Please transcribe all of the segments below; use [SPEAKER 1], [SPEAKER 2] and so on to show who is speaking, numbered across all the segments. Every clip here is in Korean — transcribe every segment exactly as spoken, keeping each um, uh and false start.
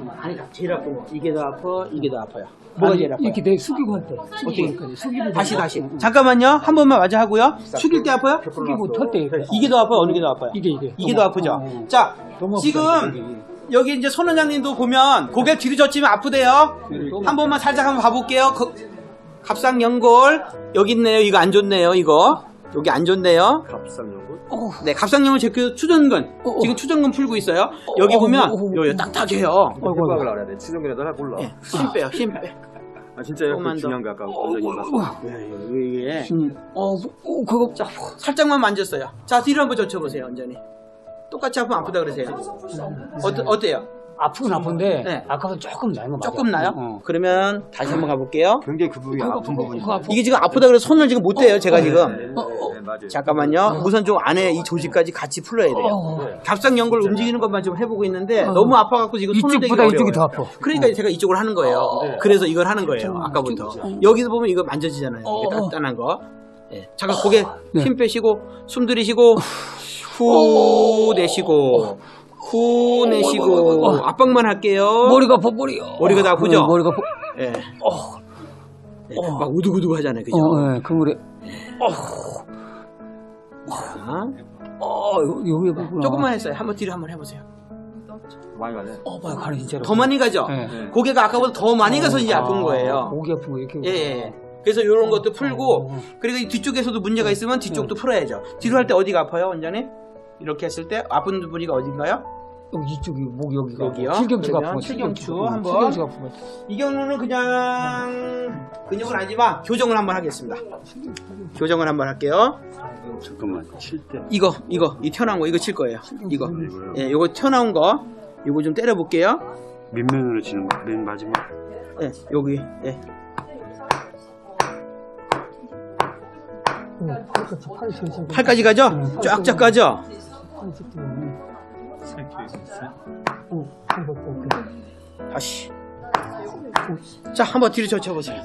[SPEAKER 1] 아니 제일 아픈 거 이게 더 아파 이게 더 아파요. 뭐가 제일 아파요?
[SPEAKER 2] 이렇게 내 숙이고 할 때.
[SPEAKER 1] 어떻게?
[SPEAKER 2] 숙이고
[SPEAKER 1] 다시 다시. 잠깐만요. 한 번만 마저 하고요. 숙일 때 아파요?
[SPEAKER 2] 숙이고 털 때.
[SPEAKER 1] 이게 더 아파요? 어느 게 더 아파요?
[SPEAKER 2] 이게 이게.
[SPEAKER 1] 이게 더 아프죠? 자, 지금 여기 이제 손 원장님도 보면 고개 뒤로 젖히면 아프대요. 한 번만 살짝 한번 봐볼게요. 거, 갑상연골 여기 있네요. 이거 안 좋네요. 이거 여기 안 좋네요.
[SPEAKER 3] 갑상연골?
[SPEAKER 1] 네, 갑상연골 제그 추전근 지금 추전근 풀고 있어요. 여기 보면 여기 딱딱해요.
[SPEAKER 3] 생각을 알아야 돼. 치정근에다 하나 골라.
[SPEAKER 1] 네, 힘 빼요. 힘 빼.
[SPEAKER 3] 아 진짜요? 그
[SPEAKER 1] 조금만 더.
[SPEAKER 3] 중요한 거 아까 원장님 말씀.
[SPEAKER 1] 이게
[SPEAKER 2] 어, 어 그거
[SPEAKER 1] 자, 살짝만 만졌어요. 자, 뒤로 한번 젖혀보세요, 완전히. 똑같이 아프면 아프다 그러세요. 어떠, 어때요?
[SPEAKER 2] 아프긴 아픈데
[SPEAKER 1] 네.
[SPEAKER 2] 아까보다 조금 나은 거 맞아.
[SPEAKER 1] 조금 나요?
[SPEAKER 2] 어.
[SPEAKER 1] 그러면 다시 한번 가볼게요.
[SPEAKER 3] 굉장히 그 부분이 아픈 부분이.
[SPEAKER 2] 그거 아프.
[SPEAKER 1] 이게 지금 아프다 그래서 손을 지금 못 대요, 제가 지금.
[SPEAKER 3] 네, 맞아요.
[SPEAKER 1] 잠깐만요. 우선 좀 안에 이 조직까지 같이 풀어야 돼요.
[SPEAKER 2] 어.
[SPEAKER 1] 갑상연골 움직이는 것만 좀 해보고 있는데 너무 아파갖고 지금 손을 대기
[SPEAKER 2] 이쪽보다
[SPEAKER 1] 어려워요.
[SPEAKER 2] 이쪽이 더 아파.
[SPEAKER 1] 그러니까 제가 이쪽을 하는 거예요. 그래서 이걸 하는 거예요. 아까부터. 여기서 보면 이거 만져지잖아요. 이게 단단한 거. 예. 잠깐 고개 힘 빼시고 숨 들이쉬고 후 내쉬고 후 내쉬고 압박만 할게요.
[SPEAKER 2] 머리가 아파 머리요.
[SPEAKER 1] 머리가 다 아프죠?
[SPEAKER 2] 어, 머리가 아파.
[SPEAKER 1] 예. 예, 막 우두구두 하잖아요. 그죠?
[SPEAKER 2] 어, 예, 그 머리.
[SPEAKER 1] 자,
[SPEAKER 2] 어, 여기 보구나.
[SPEAKER 1] 조금만 했어요. 한번 뒤로 한번 해보세요.
[SPEAKER 3] 많이 가네.
[SPEAKER 2] 어, 봐요, 가네 진짜로.
[SPEAKER 1] 더 많이 가죠?
[SPEAKER 2] 네.
[SPEAKER 1] 고개가 아까보다 더 많이 가서 이제 아픈 거예요.
[SPEAKER 2] 목이 아픈 거 이렇게.
[SPEAKER 1] 예, 예. 그래서 이런 것도 풀고, 그리고 이 뒤쪽에서도 문제가 있으면 뒤쪽도 풀어야죠. 뒤로 할 때 어디가 아파요, 원장님? 이렇게 했을 때 아픈 부위가 어딘가요?
[SPEAKER 2] 여기 이쪽이 목 여기가.
[SPEAKER 1] 여기요?
[SPEAKER 2] 칠경추가
[SPEAKER 1] 그러면
[SPEAKER 2] 아픈 거.
[SPEAKER 1] 칠경추
[SPEAKER 2] 칠경추.
[SPEAKER 1] 한번.
[SPEAKER 2] 칠경추가 아픈 거.
[SPEAKER 1] 이 경우는 그냥 근육은 아니지만 교정을 한번 하겠습니다. 교정을 한번 할게요.
[SPEAKER 3] 잠깐만. 칠 때.
[SPEAKER 1] 이거, 이거, 이 튀어나온 거, 이거 칠 거예요. 이거. 예, 이거 튀어나온 거, 이거 좀 때려볼게요.
[SPEAKER 3] 밑면으로 치는 거. 맨 마지막.
[SPEAKER 1] 예, 여기, 예. 팔까지 가죠? 쫙쫙 가죠? 다시. 자, 한번 뒤로 젖혀보세요.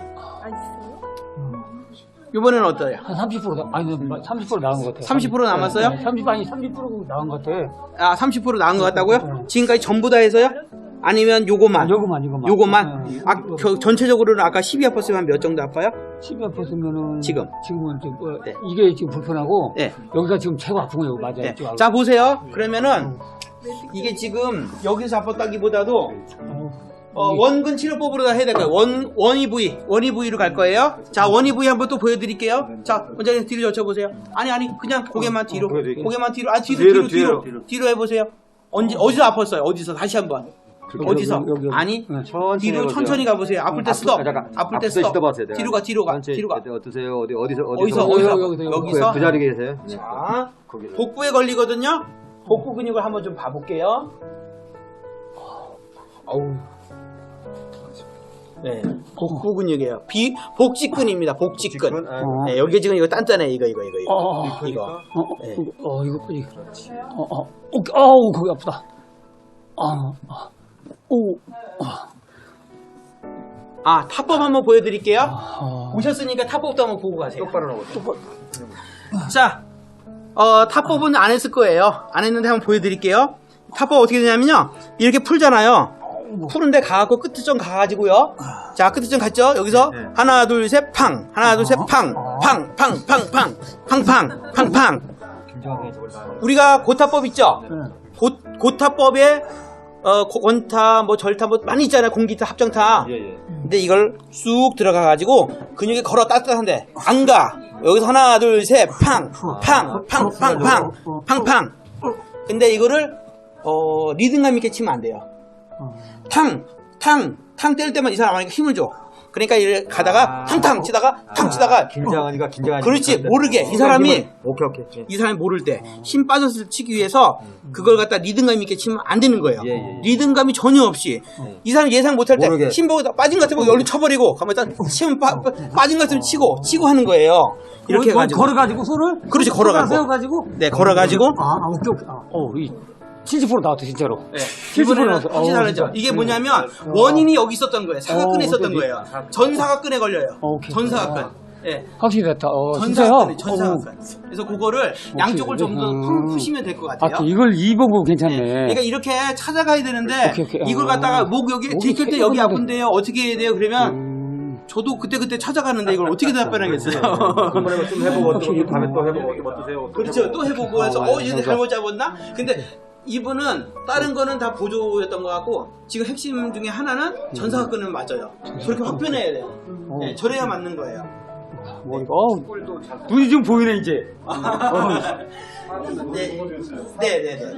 [SPEAKER 1] 이번에는 어떠해요?
[SPEAKER 2] 한 삼십 퍼센트 나, 아니 삼십 퍼센트 나은 것 같아요.
[SPEAKER 1] 삼십 퍼센트 남았어요?
[SPEAKER 2] 네, 삼십 아니 삼십 퍼센트 나은 것 같아.
[SPEAKER 1] 아, 삼십 퍼센트 나은 것 같다고요? 지금까지 전부 다 해서요? 아니면 요거만?
[SPEAKER 2] 요거만 요거만.
[SPEAKER 1] 요거만?
[SPEAKER 2] 네.
[SPEAKER 1] 아, 겨- 전체적으로는 아까 십이 아팠으면 몇 정도 아파요?
[SPEAKER 2] 십이 퍼센트면은
[SPEAKER 1] 지금?
[SPEAKER 2] 지금은 좀 어,
[SPEAKER 1] 네.
[SPEAKER 2] 이게 지금 불편하고
[SPEAKER 1] 네.
[SPEAKER 2] 여기가 지금 최고 아픈 거 여기 맞아요.
[SPEAKER 1] 네.
[SPEAKER 2] 이쪽
[SPEAKER 1] 자, 보세요. 그러면은 이게 지금 여기서 아팠다기보다도 어, 원근 치료법으로 다 해야 될 거예요. 원, 원위 부위, 원위 부위로 갈 거예요. 자, 원위 부위 한번 또 보여드릴게요. 자, 원장님 뒤로 젖혀보세요. 아니, 아니, 그냥 고개만 뒤로.
[SPEAKER 3] 보여드릴게요.
[SPEAKER 1] 고개만 뒤로. 아, 뒤로,
[SPEAKER 3] 뒤로,
[SPEAKER 1] 뒤로, 뒤로.
[SPEAKER 3] 뒤로.
[SPEAKER 1] 뒤로 해보세요. 언제, 어디서 아팠어요? 어디서? 다시 한 번. 어디서?
[SPEAKER 2] 여기, 여기, 여기.
[SPEAKER 1] 아니,
[SPEAKER 2] 네,
[SPEAKER 3] 천천히
[SPEAKER 1] 뒤로
[SPEAKER 3] 해보세요.
[SPEAKER 1] 천천히 가보세요. 아플 때
[SPEAKER 3] 아프-
[SPEAKER 1] 스톱.
[SPEAKER 3] 아, 잠깐.
[SPEAKER 1] 아플 때
[SPEAKER 3] 아플 때
[SPEAKER 1] 스톱.
[SPEAKER 3] 스톱하세요.
[SPEAKER 1] 뒤로 가, 뒤로 가,
[SPEAKER 3] 천천히.
[SPEAKER 1] 뒤로 가.
[SPEAKER 3] 어때- 어떠세요? 어디 어디서
[SPEAKER 1] 어디서,
[SPEAKER 3] 어디서
[SPEAKER 1] 어디서?
[SPEAKER 2] 여기서,
[SPEAKER 1] 여기서?
[SPEAKER 3] 그 자리 계세요?
[SPEAKER 1] 자,
[SPEAKER 3] 거기.
[SPEAKER 1] 복부에 걸리거든요. 복부 근육을 한번 좀 봐볼게요. 어우. 네, 복부 근육이에요. 비 복직근입니다. 복직근.
[SPEAKER 3] 복직근? 아,
[SPEAKER 2] 어.
[SPEAKER 1] 네, 여기 지금 이거 단단해. 이거 이거 이거 이거.
[SPEAKER 2] 어, 어,
[SPEAKER 1] 이거.
[SPEAKER 2] 어, 어,
[SPEAKER 1] 네.
[SPEAKER 2] 이거, 어, 이거, 이거. 어, 어, 어, 아우, 거기 아프다. 아, 아, 오, 아,
[SPEAKER 1] 아, 타법 한번 보여드릴게요.
[SPEAKER 2] 아,
[SPEAKER 1] 오셨으니까 타법도 한번 보고 가세요.
[SPEAKER 3] 똑바로 나오고.
[SPEAKER 1] 자, 어, 타법은 안 했을 거예요. 안 했는데 한번 보여드릴게요. 타법 어떻게 되냐면요. 이렇게 풀잖아요. 푸는데 가갖고 끝점 가가지고요. 자, 끝점 갔죠? 여기서
[SPEAKER 3] 네.
[SPEAKER 1] 하나, 둘, 셋, 팡. 하나, 둘, 셋, 팡. 팡, 팡, 팡, 팡. 팡, 팡, 팡, 팡. 우리가 고타법 있죠?
[SPEAKER 2] 네.
[SPEAKER 1] 고, 고타법에 어, 고- 원타, 뭐 절타, 뭐 많이 있잖아요. 공기타, 합정타.
[SPEAKER 3] 예, 예.
[SPEAKER 1] 근데 이걸 쑥 들어가가지고 근육이 걸어 따뜻한데 안 가. 여기서 하나, 둘, 셋, 팡, 팡, 팡, 팡, 팡, 팡, 팡. 근데 이거를 어, 리듬감 있게 치면 안 돼요. 탕, 탕, 탕 뗄 때만 이 사람한테 힘을 줘. 그러니까 이렇게 가다가 탕탕 치다가 탕 치다가
[SPEAKER 3] 긴장하니까 긴장하니까.
[SPEAKER 1] 그렇지, 모르게. 이 사람이
[SPEAKER 3] 오케이 오케이. 예.
[SPEAKER 1] 이 사람이 모를 때 힘 빠져서 치기 위해서 그걸 갖다 리듬감 있게 치면 안 되는 거예요.
[SPEAKER 3] 예, 예, 예.
[SPEAKER 1] 리듬감이 전혀 없이 이 사람이 예상 못할 때
[SPEAKER 3] 모르게.
[SPEAKER 1] 힘 보고 빠진 것 같으면 얼른 쳐버리고 가만 일단 치면 빠, 빠- 빠진 것 같으면 치고 치고 하는 거예요. 이렇게
[SPEAKER 2] 걸-
[SPEAKER 1] 해가지고
[SPEAKER 2] 걸어가지고 손을?
[SPEAKER 1] 그렇지, 걸어가고.
[SPEAKER 2] 세워가지고?
[SPEAKER 1] 네, 걸어가지고
[SPEAKER 2] 아, 아, 오케이, 오케이. 아, 어, 이 칠십 퍼센트 나왔다, 진짜로.
[SPEAKER 1] 네.
[SPEAKER 2] 칠십 퍼센트
[SPEAKER 1] 이번에는
[SPEAKER 2] 나왔어.
[SPEAKER 1] 확실히
[SPEAKER 2] 어,
[SPEAKER 1] 다르죠.
[SPEAKER 2] 진짜.
[SPEAKER 1] 이게
[SPEAKER 2] 네.
[SPEAKER 1] 뭐냐면 원인이 여기 있었던 거예요. 사각근에
[SPEAKER 2] 어,
[SPEAKER 1] 있었던
[SPEAKER 2] 오케이.
[SPEAKER 1] 거예요. 전사각근에 걸려요.
[SPEAKER 2] 어, 오케이.
[SPEAKER 1] 전사각근. 예.
[SPEAKER 2] 확실히 됐다. 어, 진짜요?
[SPEAKER 1] 전사각근이 전사각근. 그래서 그거를 양쪽을 좀 더
[SPEAKER 2] 음.
[SPEAKER 1] 푸시면 될 것
[SPEAKER 2] 아,
[SPEAKER 1] 같아요.
[SPEAKER 2] 이걸 이 보고 괜찮네.
[SPEAKER 1] 네. 그러니까 이렇게 찾아가야 되는데
[SPEAKER 2] 오케이, 오케이.
[SPEAKER 1] 이걸
[SPEAKER 2] 아.
[SPEAKER 1] 갖다가 목 여기
[SPEAKER 2] 목이
[SPEAKER 1] 들킬 때
[SPEAKER 2] 세
[SPEAKER 1] 여기
[SPEAKER 2] 번인데.
[SPEAKER 1] 아픈데요. 어떻게 해야 돼요? 그러면
[SPEAKER 2] 음.
[SPEAKER 1] 저도 그때 그때 찾아가는데 이걸 어떻게 답변하겠어요?
[SPEAKER 3] 한번 해봐 좀 해보고 또 다음에 또 해보고 또 어떠세요?
[SPEAKER 1] 그렇죠. 또 해보고 해서
[SPEAKER 2] 아,
[SPEAKER 1] 어 얘네
[SPEAKER 2] 맞아.
[SPEAKER 1] 잘못 잡았나? 근데 이분은 다른 거는 다 보조였던 것 같고 지금 핵심 중에 하나는 전사각근은 맞아요. 저렇게 확변해야 돼요. 네, 저래야 맞는 거예요.
[SPEAKER 2] 머리가 어, 눈이 좀 보이네 이제.
[SPEAKER 1] 네, 네, 네. 네.